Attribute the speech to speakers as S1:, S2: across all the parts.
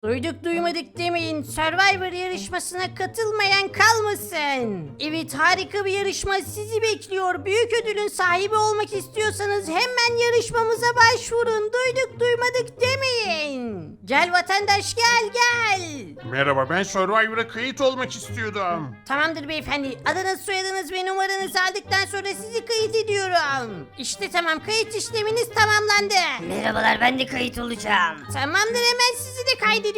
S1: Duyduk duymadık demeyin. Survivor yarışmasına katılmayan kalmasın. Evet, harika bir yarışma sizi bekliyor. Büyük ödülün sahibi olmak istiyorsanız hemen yarışmamıza başvurun. Duyduk duymadık demeyin. Gel vatandaş, gel.
S2: Merhaba, ben Survivor'a kayıt olmak istiyordum.
S1: Tamamdır beyefendi. Adınız, soyadınız ve numaranızı aldıktan sonra sizi kayıt ediyorum. İşte tamam, kayıt işleminiz tamamlandı.
S3: Merhabalar, ben de kayıt olacağım.
S1: Tamamdır, hemen sizi de kaydediyorum.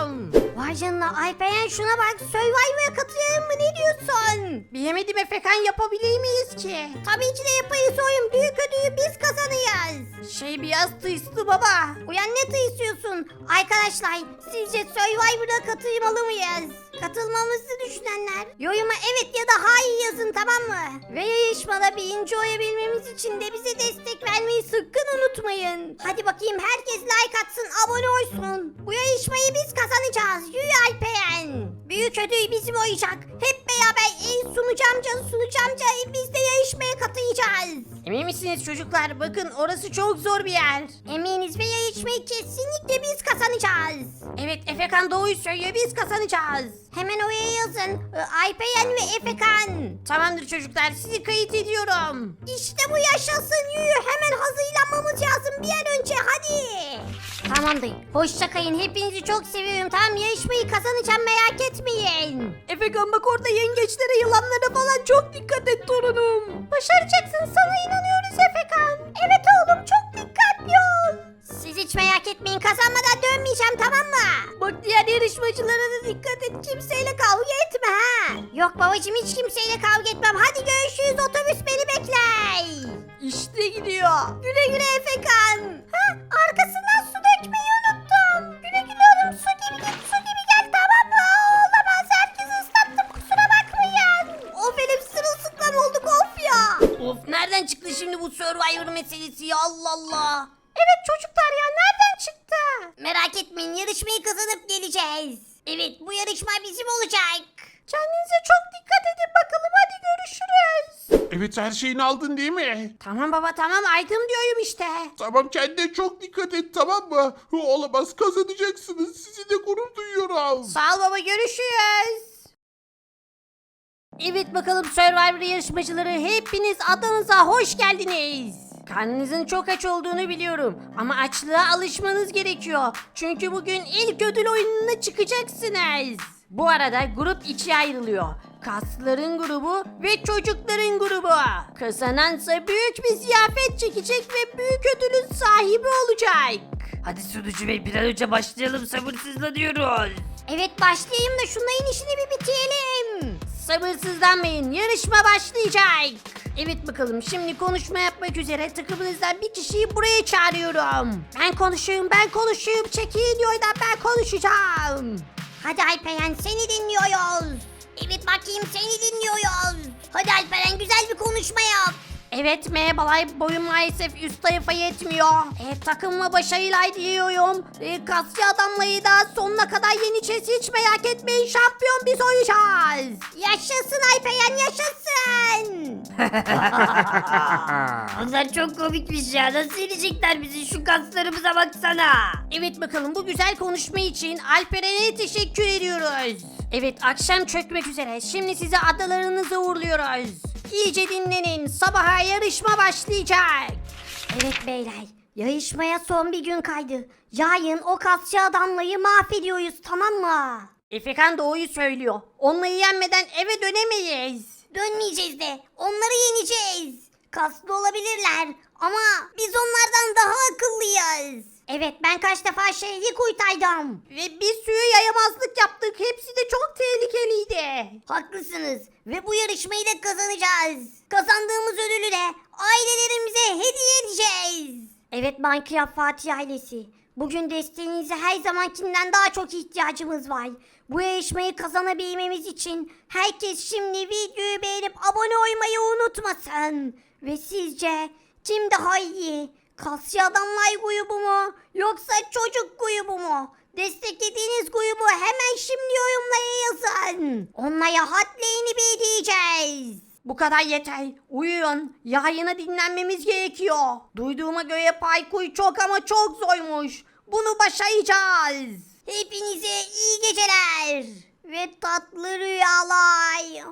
S1: Vay canına Alperen, şuna bak, Survivor'a katılayım mı, ne diyorsun? Bilemedim Efekan, yapabilir miyiz ki? Tabii ki de yapayız oyun, büyük ödülü biz kazanacağız. Biraz tıyıslı baba. Uyan, ne tıyısıyorsun? Arkadaşlar, sizce Survivor'a katılmalı mıyız? Katılmamızı düşünenler yoruma evet ya da hayır yazın, tamam mı? Ve yarışmada birinci olabilmemiz için de bize destek vermeyi sakın unutmayın. Hadi bakayım, herkes like atsın, abone olsun. Bu yarışmayı biz kazanacağız. Yürü Alperen. Büyük ödül bizim olacak. Hep beraber sunucu amca biz de yarışmaya katılacağız. Emin misiniz çocuklar? Bakın, orası çok zor bir yer. Eminiz ve yarışmayı kesinlikle biz kazanacağız. Evet, Efekan doğruyu söylüyor, biz kazanacağız. Hemen oraya yazın. Alperen ve Efekan. Tamamdır çocuklar, sizi kayıt ediyorum. İşte bu, yaşasın, yürü. Hemen hazırlanmamız lazım bir an önce, hadi. Tamamdır. Hoşça kalın, hepinizi çok seviyorum. Tamam, yarışmayı kazanacağım, merak etmeyin. Efekan bak, orada yengeçlere, yılanlara falan çok dikkat et torunum. Başaracaksın, sana inanıyoruz Efekan. Evet oğlum, çok dikkatli ol. Siz hiç merak etmeyin, kazanmadan dönmeyeceğim, tamam mı? Bak, diğer yarışmacılara da dikkat et, kimseyle kavga etme ha. Yok babacığım, hiç kimseyle kavga etmem. Hadi görüşürüz, otobüs beni bekler. İşte gidiyor. Güle güle Efekan. Ha, arkasından su dökmeyi unuttum. Güle güle oğlum, su gibi git, su gibi gel, tamam mı? Olamaz, herkesi ıslattım, kusura bakmayın. Of, elim sırılsıklam olduk, of ya. Of, nereden çıktı şimdi bu Survivor meselesi ya, Allah Allah. Evet çocuklar ya, nereden çıktı? Merak etmeyin, yarışmayı kazanıp geleceğiz. Evet, bu yarışma bizim olacak. Kendinize çok dikkat edin bakalım, hadi görüşürüz.
S2: Evet, her şeyini aldın değil mi?
S1: Tamam baba, tamam, aydım diyorum işte.
S2: Tamam, kendine çok dikkat et, tamam mı? Olamaz, kazanacaksınız. Sizinle gurur duyuyorum.
S1: Sağ ol baba, görüşürüz. Evet bakalım Survivor yarışmacıları, hepiniz adanıza hoş geldiniz. Karnınızın çok aç olduğunu biliyorum ama açlığa alışmanız gerekiyor. Çünkü bugün ilk ödül oyununa çıkacaksınız. Bu arada grup ikiye ayrılıyor. Kasların grubu ve çocukların grubu. Kazanansa büyük bir ziyafet çekecek ve büyük ödülün sahibi olacak.
S3: Hadi sunucu bey, bir an önce başlayalım, sabırsızlanıyoruz.
S1: Evet, başlayayım da şunların işini bir bitirelim. Sabırsızlanmayın, yarışma başlayacak. Evet bakalım, şimdi konuşma yapmak üzere takımınızdan bir kişiyi buraya çağırıyorum. Ben konuşayım, çekilin yoldan, ben konuşacağım. Hadi Alperen, seni dinliyoruz. Evet bakayım, seni dinliyoruz. Hadi Alperen, güzel bir konuşma yap. Evet, merhabalar, boyum maalesef üst tarafa yetmiyor. Takımıma başarılar diliyorum. Kasya adamları da sonuna kadar yeneceğiz, hiç merak etmeyin, şampiyon biz olacağız. Yaşasın Alperen, yaşasın.
S3: Onlar çok komikmiş ya, nasıl yenecekler bizi, şu kaslarımıza baksana.
S1: Evet bakalım, bu güzel konuşma için Alperen'e teşekkür ediyoruz. Evet, akşam çökmek üzere, şimdi size adalarınıza uğurluyoruz. İyice dinlenin, sabaha yarışma başlayacak. Evet beyler, yarışmaya son bir gün kaydı. Yarın o kasçı adamları mahvediyoruz, tamam mı? Efekan doğruyu söylüyor. Onları yenmeden eve dönemeyiz. Dönmeyeceğiz de, onları yeneceğiz. Kaslı olabilirler ama biz onlardan daha akıllıyız. Evet, ben kaç defa şehri kurtardım. Ve bir sürü yayamazlık yaptık. Hepsi de çok tehlikeliydi. Haklısınız. Ve bu yarışmayı da kazanacağız. Kazandığımız ödülü de ailelerimize hediye edeceğiz. Evet Minecraft Fatih ailesi. Bugün desteğinize her zamankinden daha çok ihtiyacımız var. Bu yarışmayı kazanabilmemiz için herkes şimdi videoyu beğenip abone olmayı unutmasın. Ve sizce kim daha iyi? Kasya adamlar grubu mu? Yoksa çocuk grubu mu? Desteklediğiniz grubu hemen şimdi yorumlara yazın. Onlara hadlerini bildireceğiz. Bu kadar yeter. Uyuyun. Yayına dinlenmemiz gerekiyor. Duyduğuma göre parkur çok ama çok zormuş. Bunu başaracağız. Hepinize iyi geceler. Ve tatlı rüyalar.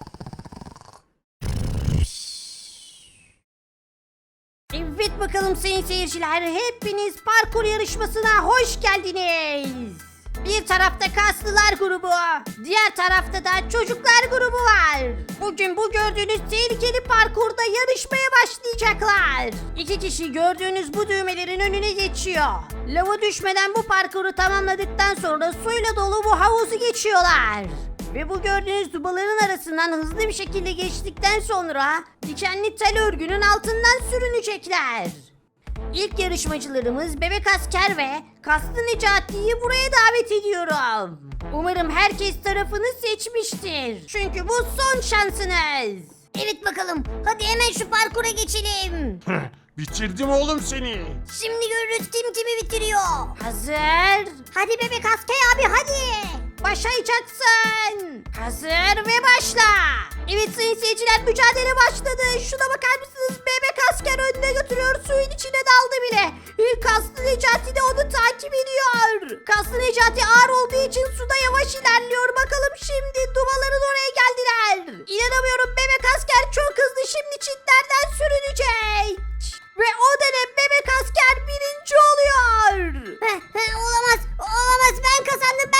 S1: Evet bakalım sayın seyirciler, hepiniz parkur yarışmasına hoş geldiniz. Bir tarafta kaslılar grubu, diğer tarafta da çocuklar grubu var. Bugün bu gördüğünüz tehlikeli parkurda yarışmaya başlayacaklar. İki kişi gördüğünüz bu düğmelerin önüne geçiyor. Lava düşmeden bu parkuru tamamladıktan sonra suyla dolu bu havuzu geçiyorlar. Ve bu gördüğünüz dubaların arasından hızlı bir şekilde geçtikten sonra dikenli tel örgünün altından sürünecekler. İlk yarışmacılarımız Bebek Asker ve Kaslı Necati'yi buraya davet ediyorum. Umarım herkes tarafını seçmiştir. Çünkü bu son şansınız. Evet bakalım, hadi hemen şu parkura geçelim.
S2: Bitirdim oğlum seni.
S1: Şimdi görürüz kim kimi bitiriyor. Hazır. Hadi Bebek Asker abi hadi. Başlayacaksın. Hazır ve başla. Evet sayın seyirciler, mücadele başladı. Şuna bakar mısınız? Bebek Asker önüne götürüyor. Suyun içine daldı bile. Kaslı Necati de onu takip ediyor. Kaslı Necati ağır olduğu için suda yavaş ilerliyor. Bakalım şimdi dubaların oraya geldiler. İnanamıyorum, Bebek Asker çok hızlı, şimdi çitlerden sürünecek. Ve o dönem Bebek Asker birinci oluyor. Olamaz, olamaz, ben kazandım,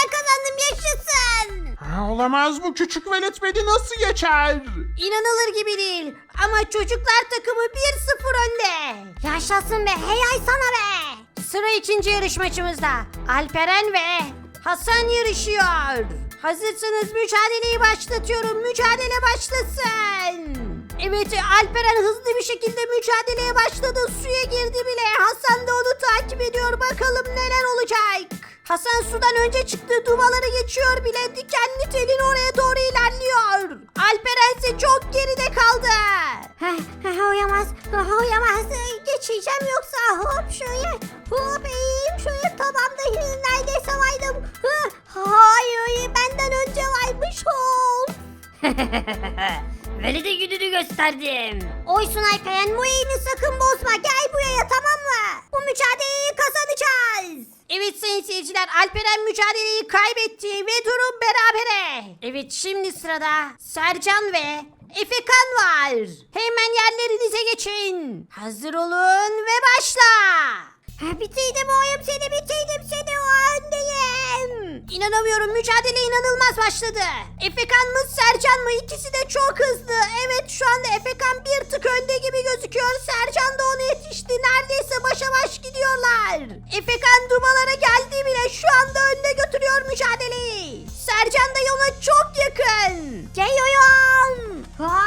S1: yaşasın.
S2: Olamaz, bu küçük velet beni nasıl geçer?
S1: İnanılır gibi değil ama çocuklar takımı 1-0 önde. Yaşasın be, hey sana be. Sıra ikinci yarışmacımızda. Alperen ve Hasan yarışıyor. Hazırsanız mücadeleyi başlatıyorum. Mücadele başlasın. Evet, Alperen hızlı bir şekilde mücadeleye başladı. Suya girdi bile. Hasan da onu takip ediyor. Bakalım neler olacak. Hasan sudan önce çıktı. Dubaları geçiyor bile. Dikenli telin oraya doğru ilerliyor. Alperen ise çok geride kaldı. Oyamaz. Geçeceğim yoksa. Hop şöyle. Hop eğeyim şöyle, tamamda neredeyse vardım. Hayır, benden önce varmış ol.
S3: Velide gününü gösterdim.
S1: Oysun Alperen, bu eğini sakın bozma. Gel buraya, tamam mı? Bu mücadeleyi kazanacağız. Evet sayın seyirciler, Alperen mücadeleyi kaybetti ve durum berabere. Evet, şimdi sırada Sercan ve Efekan var. Hemen yerlerinize geçin. Hazır olun ve başla. Bitirdim oyum seni, o öndeyim. İnanamıyorum, mücadele inanılmaz başladı. Efekan mı Sercan mı, ikisi de çok hızlı. Evet, şu anda Efekan bir tık önde gibi gözüküyor. Sercan da ona yetişti, neredeyse başa baş gidiyorlar. Efekan dumalara geldi bile, şu anda önde götürüyor mücadeleyi. Sercan da ona çok yakın. Geliyorum.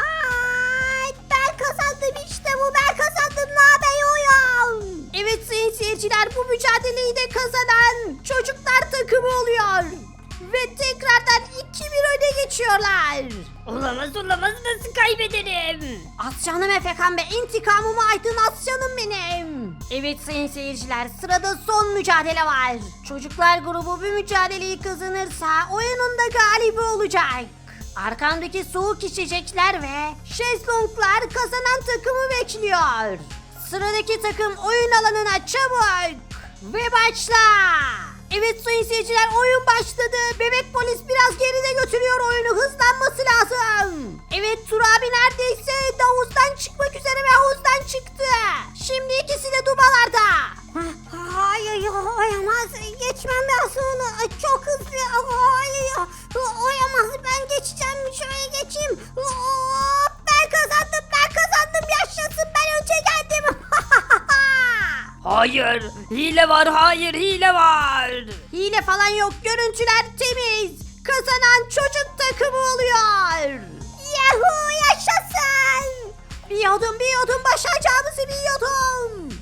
S1: Ben kazandım, işte bu, ben kazandım, ne haber oyum. Evet sayın seyirciler, bu mücadeleyi de kazanan çocuklar takımı oluyor. Ve tekrardan 2-1 öne geçiyorlar.
S3: Olamaz, nasıl kaybederim?
S1: Aslanım Efekan be, intikamımı aydın aslanım benim. Evet sayın seyirciler, sırada son mücadele var. Çocuklar grubu bu mücadeleyi kazanırsa oyunun da galibi olacak. Arkamdaki soğuk içecekler ve şezlonglar kazanan takımı bekliyor. Sıradaki takım oyun alanına çabuk ve başla. Evet sayın seyirciler, oyun başladı. Bebek polis biraz geride götürüyor oyunu, hızlanması lazım. Evet, Tur abi neredeyse havuzdan çıkmak üzere ve havuzdan çıktı. Şimdi ikisi de dubalarda. Hayır, oyamaz, geçmem lazım onu, çok hızlı. Hayır, oyamaz, ben geçeceğim, şöyle geçeyim. Ben kazandım, yaşasın, ben önce geldim.
S3: Hayır, hile var.
S1: Hile falan yok, görüntüler temiz. Kazanan çocuk takımı oluyor. Yahoo, yaşasın. Biliyordum, başaracağımızı biliyordum.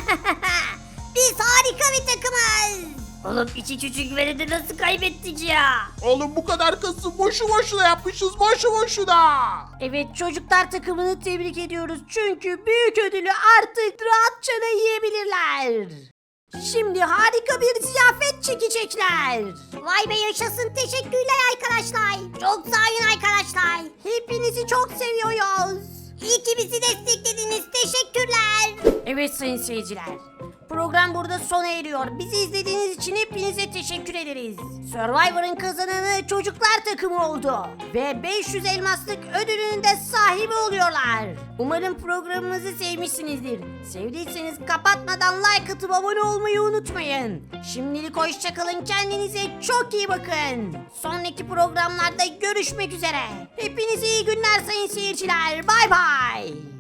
S1: Biz harika bir takımız.
S3: Oğlum, iki küçük velidi nasıl kaybettik ya?
S2: Oğlum, bu kadar kası boşu boşuna yapmışız, boşu boşuna.
S1: Evet, çocuklar takımını tebrik ediyoruz. Çünkü büyük ödülü artık rahatça da yiyebilirler. Şimdi harika bir ziyafet çekecekler. Vay be, yaşasın, teşekkürler arkadaşlar. Çok sağ olun arkadaşlar. Hepinizi çok seviyoruz. İyi ki bizi desteklediniz, teşekkürler. Evet sayın seyirciler, Program burada sona eriyor. Bizi izlediğiniz için hepinize teşekkür ederiz. Survivor'ın kazananı çocuklar takımı oldu. Ve 500 elmaslık ödülünün de sahibi oluyorlar. Umarım programımızı sevmişsinizdir. Sevdiyseniz kapatmadan like atıp abone olmayı unutmayın. Şimdilik hoşçakalın, kendinize çok iyi bakın. Sonraki programlarda görüşmek üzere. Hepinize iyi günler sayın seyirciler. Bay bay.